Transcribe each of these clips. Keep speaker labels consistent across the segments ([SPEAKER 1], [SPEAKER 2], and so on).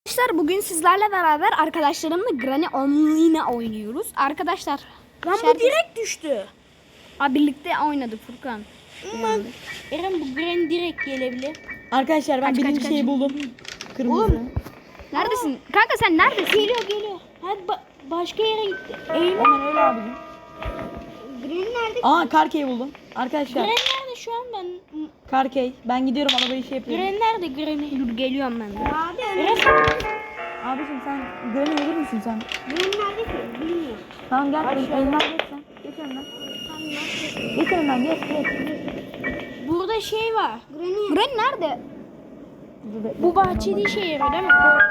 [SPEAKER 1] Arkadaşlar bugün sizlerle beraber arkadaşlarımla Granny Online oynuyoruz. Arkadaşlar
[SPEAKER 2] Lan bu direkt düştü.
[SPEAKER 1] birlikte oynadık Furkan.
[SPEAKER 2] Eren bu Granny direkt gelebilir.
[SPEAKER 3] Arkadaşlar ben birinci şeyi buldum. Kırmızı.
[SPEAKER 2] Oğlum.
[SPEAKER 1] Neredesin? Kanka sen neredesin?
[SPEAKER 2] Geliyor. Hadi başka yere gitti. Eyvah.
[SPEAKER 3] Hemen öyle abicim.
[SPEAKER 2] Granny nerede?
[SPEAKER 3] Aa Karkey'i buldum. Arkadaşlar
[SPEAKER 2] Granny nerede şu an ben?
[SPEAKER 3] Karkey. Ben gidiyorum arabayı şey yapıyorum.
[SPEAKER 2] Granny nerede Granny?
[SPEAKER 1] Dur geliyorum ben de.
[SPEAKER 2] Abi Eren.
[SPEAKER 3] Abicim sen Granny olur musun sen?
[SPEAKER 2] Granny nerede ki? Bilmiyorum.
[SPEAKER 3] Tamam gel. Elinden geç sen. Geç önden. Geç önden geç.
[SPEAKER 2] Burada şey var.
[SPEAKER 1] Granny nerede?
[SPEAKER 3] Dur, bekle.
[SPEAKER 2] Bu bahçede işe yarıyor değil mi?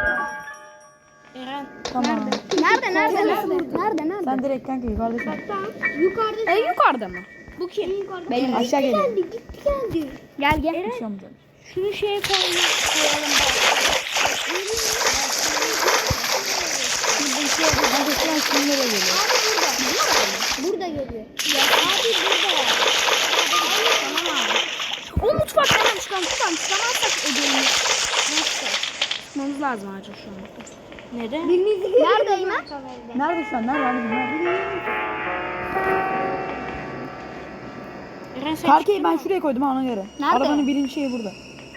[SPEAKER 2] Eren.
[SPEAKER 3] Tamam.
[SPEAKER 1] Nerede?
[SPEAKER 3] Sen direkt kanka yukarıdasın.
[SPEAKER 2] Yukarıda.
[SPEAKER 1] Yukarıda mı?
[SPEAKER 2] Bu kim?
[SPEAKER 1] Benim.
[SPEAKER 3] Aşağı geliyor.
[SPEAKER 2] Gitti geldi.
[SPEAKER 1] Gel gel.
[SPEAKER 3] Bir şey olmayacak.
[SPEAKER 2] Şunu şeye koyalım.
[SPEAKER 3] Kanka şu an kimlere geliyor?
[SPEAKER 2] Burada geliyor. Ya abi burada.
[SPEAKER 1] O mutfakta hemen çıkamazsak ödeyelim. Nasıl? Çıkmamız lazım acil şu an.
[SPEAKER 2] Neden?
[SPEAKER 1] Neredeyim ben?
[SPEAKER 3] Nerede şu an? Nerede abicim? Nerede?
[SPEAKER 2] Eren sen
[SPEAKER 3] Karkey'i ben şuraya koydum ha ona göre.
[SPEAKER 1] Nerede?
[SPEAKER 3] Arabanın birinci şeyi burada.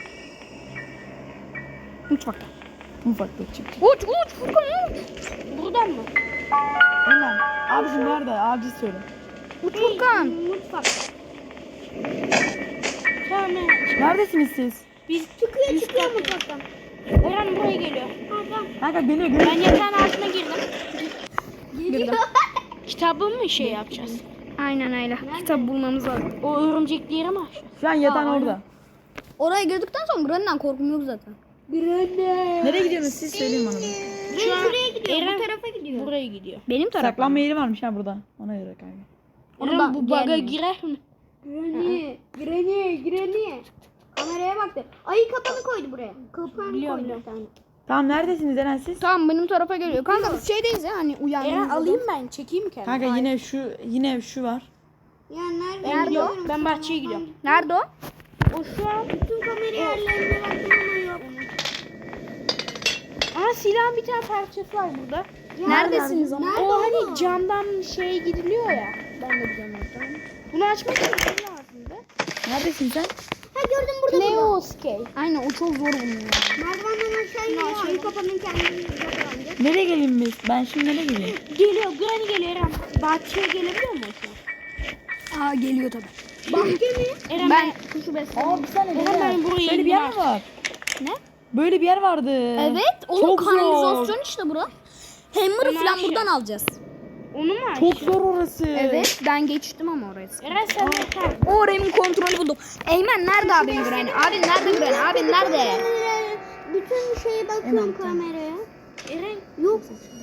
[SPEAKER 1] Mutfakta.
[SPEAKER 3] Mutfakta çık.
[SPEAKER 1] Uç Furkan uç.
[SPEAKER 2] buradan mı?
[SPEAKER 3] Hemen. Abicim nerede? Abici söyle.
[SPEAKER 1] Uç Furkan.
[SPEAKER 2] Mutfakta. Tamam Eren.
[SPEAKER 3] Neredesiniz siz?
[SPEAKER 2] Biz çıkıyor mutfaktan. Eren buraya geliyor.
[SPEAKER 3] Kanka geliyor.
[SPEAKER 2] Ben yatağın altına girdim.
[SPEAKER 1] Girdim.
[SPEAKER 2] Kitabı mı şey yapacağız?
[SPEAKER 1] Aynen öyle. Kitap bulmamız lazım.
[SPEAKER 2] O örümcekleri mi açacağız?
[SPEAKER 3] Şu an yatan orada.
[SPEAKER 1] Oraya girdikten sonra Granny'den korkum yok zaten.
[SPEAKER 3] Nereye gidiyorsunuz siz söyleyin bana.
[SPEAKER 2] Şu an şuraya gidiyor. Bu tarafa gidiyor. Buraya gidiyor.
[SPEAKER 1] Benim tarafım.
[SPEAKER 3] Saklanma yeri varmış ha burada. Ona göre kanka.
[SPEAKER 2] Eren bu baga
[SPEAKER 1] gelmiyor.
[SPEAKER 2] girer mi?
[SPEAKER 4] Granny. Kameraya baktı. Ayı kapanı koydu buraya. Kapanı
[SPEAKER 2] Biliyorum,
[SPEAKER 4] koydu
[SPEAKER 2] biliyorum.
[SPEAKER 4] bir tane.
[SPEAKER 3] Tamam neredesiniz Eren siz?
[SPEAKER 1] Tamam benim tarafa geliyor. Kanka biz şeydeyiz ya hani
[SPEAKER 2] Eren
[SPEAKER 1] uyandığımızda.
[SPEAKER 2] alayım ben. Çekeyim kendimi.
[SPEAKER 3] Kanka yine şu var.
[SPEAKER 4] Ya nerede?
[SPEAKER 2] Ben gidiyorum. Ben bahçeye gidiyorum.
[SPEAKER 1] Nerede o?
[SPEAKER 2] O şu an
[SPEAKER 4] Bütün kamera yerlerine baktım ama yok.
[SPEAKER 2] Aa silahın bir tane parçası var burada.
[SPEAKER 1] Neredesiniz ama?
[SPEAKER 4] Nerede
[SPEAKER 2] O
[SPEAKER 4] oğlum?
[SPEAKER 2] hani camdan şey gidiliyor ya. Ben de biliyorum oradan. Bunu açmak için ne lazımdı?
[SPEAKER 3] Neredesin sen?
[SPEAKER 4] Ha gördüm burada.
[SPEAKER 2] Leo Scale.
[SPEAKER 1] Aynen o çok zor bulunuyor.
[SPEAKER 4] Merdivenden aşağı iniyor. Ayı kapanın kendini kapatınca.
[SPEAKER 3] Nereye geleyim biz? Ben şimdi nereye geleyim?
[SPEAKER 2] Geliyor. Granny geliyor Eren. Bahçeye gelebiliyor mu şu an?
[SPEAKER 1] Aa geliyor tabii.
[SPEAKER 4] Bahçe mi?
[SPEAKER 2] Eren
[SPEAKER 1] Ben şu besin.
[SPEAKER 3] Aa bir saniye.
[SPEAKER 2] Eren ben buraya
[SPEAKER 3] Böyle bir yer
[SPEAKER 2] indim
[SPEAKER 3] mi var?
[SPEAKER 1] Ne?
[SPEAKER 3] Böyle bir yer vardı.
[SPEAKER 1] Evet. Oğlum
[SPEAKER 3] Çok zor.
[SPEAKER 1] kanalizasyon işte bura. Hammer'ı
[SPEAKER 2] Ama
[SPEAKER 1] falan
[SPEAKER 2] aşağı.
[SPEAKER 1] buradan alacağız.
[SPEAKER 2] Onu mu
[SPEAKER 3] Çok
[SPEAKER 2] açtın?
[SPEAKER 3] zor orası.
[SPEAKER 1] Evet ben geçtim ama oraya.
[SPEAKER 2] Eren sen de kal.
[SPEAKER 1] O Rem'in kontrolü buldum. Eymen nerede abim Granny? Abin nerede Granny? Abin nerede?
[SPEAKER 4] Bütün şeye bakıyorum kameraya.
[SPEAKER 2] Eren
[SPEAKER 4] Yok.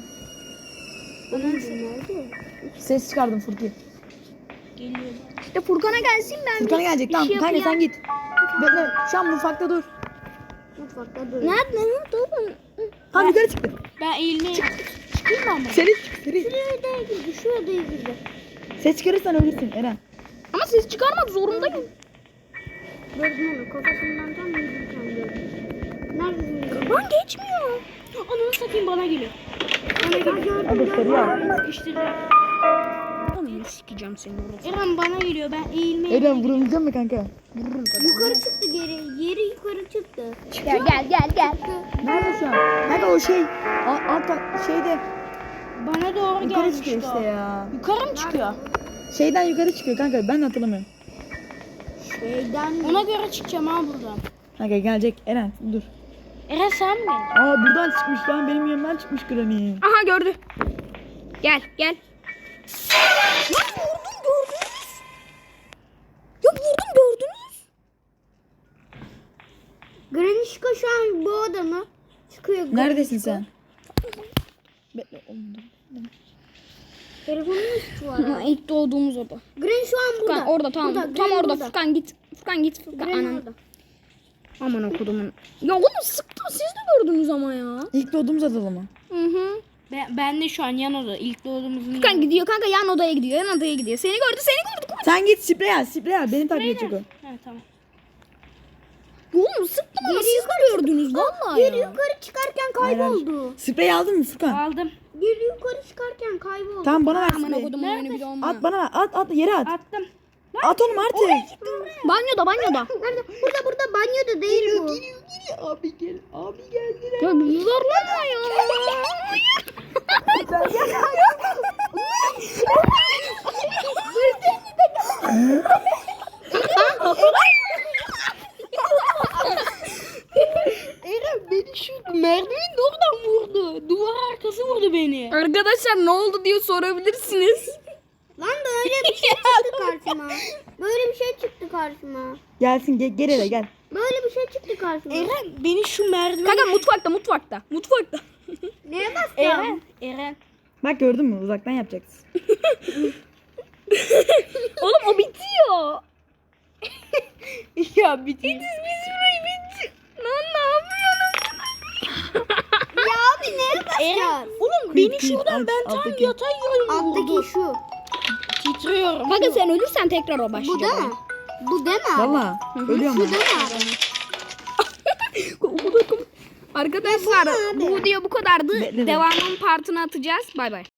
[SPEAKER 4] Nerede?
[SPEAKER 3] Ses çıkardım Furki.
[SPEAKER 2] geliyor.
[SPEAKER 1] İşte Furkan'a gelsin ben.
[SPEAKER 3] Furkan'a gelecek. Tamam
[SPEAKER 1] şey
[SPEAKER 3] kanka
[SPEAKER 1] yapayım.
[SPEAKER 3] sen git. Bekle. Şu an mutfakta dur.
[SPEAKER 4] Mutfakta dur.
[SPEAKER 1] Nerede oğlum?
[SPEAKER 3] Tamam yukarı çıktı.
[SPEAKER 2] Ben eğilmeye çıkayım mı ama?
[SPEAKER 3] Seni seni.
[SPEAKER 4] Şuraya girdi. Şuraya girdi.
[SPEAKER 3] Ses çıkarırsan ölürsün Eren.
[SPEAKER 1] Ama ses çıkarmak zorundayım.
[SPEAKER 4] Gördüm onu. Kafasından tam yürürken gördüm. Neredesin?
[SPEAKER 1] Lan geçmiyor.
[SPEAKER 2] Ananı satayım bana geliyor.
[SPEAKER 3] Hadi seri al.
[SPEAKER 2] Sıkıştıracağım.
[SPEAKER 1] Onu sikeceğim seni orası.
[SPEAKER 2] Eren bana geliyor. Ben eğilmeye
[SPEAKER 3] Eren vurulacak mı kanka?
[SPEAKER 4] Yukarı çıktı geri. Yeri yukarı çıktı.
[SPEAKER 1] Gel.
[SPEAKER 3] Nerede şu an? Kanka o şey. Şeyde.
[SPEAKER 2] Bana doğru
[SPEAKER 3] Yukarı
[SPEAKER 2] gelmişti
[SPEAKER 3] çıkıyor işte
[SPEAKER 2] o.
[SPEAKER 3] ya.
[SPEAKER 2] Yukarı mı çıkıyor?
[SPEAKER 3] Şeyden yukarı çıkıyor kanka. Ben de hatırlamıyorum.
[SPEAKER 4] Şeyden
[SPEAKER 2] Ona göre çıkacağım ha buradan.
[SPEAKER 3] Kanka gelecek. Eren dur.
[SPEAKER 2] Eren sen mi?
[SPEAKER 3] Aa buradan çıkmış lan. Benim yanımdan çıkmış Granny.
[SPEAKER 1] Aha gördü. Gel. Lan vurdum gördünüz. Ya vurdum gördünüz.
[SPEAKER 4] Granny Şiko şu an bu odamı çıkıyor.
[SPEAKER 3] Neredesin sen? Bekle oğlum dur.
[SPEAKER 4] Telefonun üstü var.
[SPEAKER 1] Ha, ilk doğduğumuz oda.
[SPEAKER 4] Granny şu an burada.
[SPEAKER 1] Furkan orada tamam.
[SPEAKER 4] Burada,
[SPEAKER 1] Tam
[SPEAKER 4] Granny
[SPEAKER 1] orada.
[SPEAKER 4] burada.
[SPEAKER 1] Furkan git.
[SPEAKER 4] Granny
[SPEAKER 1] Anan.
[SPEAKER 4] orada.
[SPEAKER 1] Aman okudumun. Ya oğlum sıktım siz de gördünüz ama ya.
[SPEAKER 3] İlk doğduğumuz adalı mı?
[SPEAKER 1] Hı.
[SPEAKER 2] Ben de şu an yan oda. İlk doğduğumuzun
[SPEAKER 1] Furkan gidiyor kanka yan odaya gidiyor. Yan odaya gidiyor. Seni gördü.
[SPEAKER 3] Sen git sprey al. Sprey al. Beni takip edecek o.
[SPEAKER 2] Ha tamam.
[SPEAKER 1] Oğlum sıktım ama siz gördünüz vallahi
[SPEAKER 4] Geri
[SPEAKER 1] ya.
[SPEAKER 4] yukarı çıkarken
[SPEAKER 3] Hayır, hayır.
[SPEAKER 4] kayboldu.
[SPEAKER 3] Sprey aldın mı Furkan?
[SPEAKER 2] Aldım.
[SPEAKER 4] Geri yukarı çıkarken kayboldu.
[SPEAKER 3] Tamam bana ver
[SPEAKER 1] Aman
[SPEAKER 3] spreyi.
[SPEAKER 1] okudum oyunu bir de olma.
[SPEAKER 3] At bana ver. At yere at.
[SPEAKER 2] Attım.
[SPEAKER 3] At onu artık.
[SPEAKER 1] Banyoda.
[SPEAKER 4] Nerede? Burada banyoda değil bu.
[SPEAKER 3] Abi gel. Abi geldiler.
[SPEAKER 1] Ya zorlama ya.
[SPEAKER 2] Eren beni şu merdivenin oradan vurdu. Duvar arkası vurdu beni.
[SPEAKER 1] Arkadaşlar ne oldu diye sorabilirsiniz.
[SPEAKER 4] Lan böyle bir şey çıktı karşıma. Böyle bir şey çıktı karşıma.
[SPEAKER 3] Gelsin gel eve gel.
[SPEAKER 4] Böyle bir şey çıktı karşıma.
[SPEAKER 2] Eren beni şu merdiven...
[SPEAKER 1] Kanka mutfakta.
[SPEAKER 4] Neye basacağım?
[SPEAKER 2] Eren.
[SPEAKER 3] Bak gördün mü? Uzaktan yapacaksın.
[SPEAKER 1] Oğlum o bitiyor.
[SPEAKER 2] Ya bitti.
[SPEAKER 1] Lan ne yapıyorsun?
[SPEAKER 4] Ya abi neye basacağız?
[SPEAKER 2] Oğlum
[SPEAKER 3] Kıyıp
[SPEAKER 2] beni
[SPEAKER 3] kıyıp
[SPEAKER 2] şuradan
[SPEAKER 3] aç,
[SPEAKER 2] ben tam
[SPEAKER 3] alttaki.
[SPEAKER 2] yatay yönüm vurdu.
[SPEAKER 4] Alttaki şu.
[SPEAKER 2] Titriyorum.
[SPEAKER 1] Kanka sen ölürsen tekrar o başlayacak.
[SPEAKER 4] Bu değil mi? Bu değil mi abi?
[SPEAKER 3] Valla. Ölüyorum
[SPEAKER 4] Bu
[SPEAKER 3] ben.
[SPEAKER 4] değil mi abi?
[SPEAKER 1] Arkadaşlar
[SPEAKER 4] Ya bu ne abi?
[SPEAKER 1] bu video bu kadardı.
[SPEAKER 3] Bekle.
[SPEAKER 1] Devamının partını atacağız. Bay bay.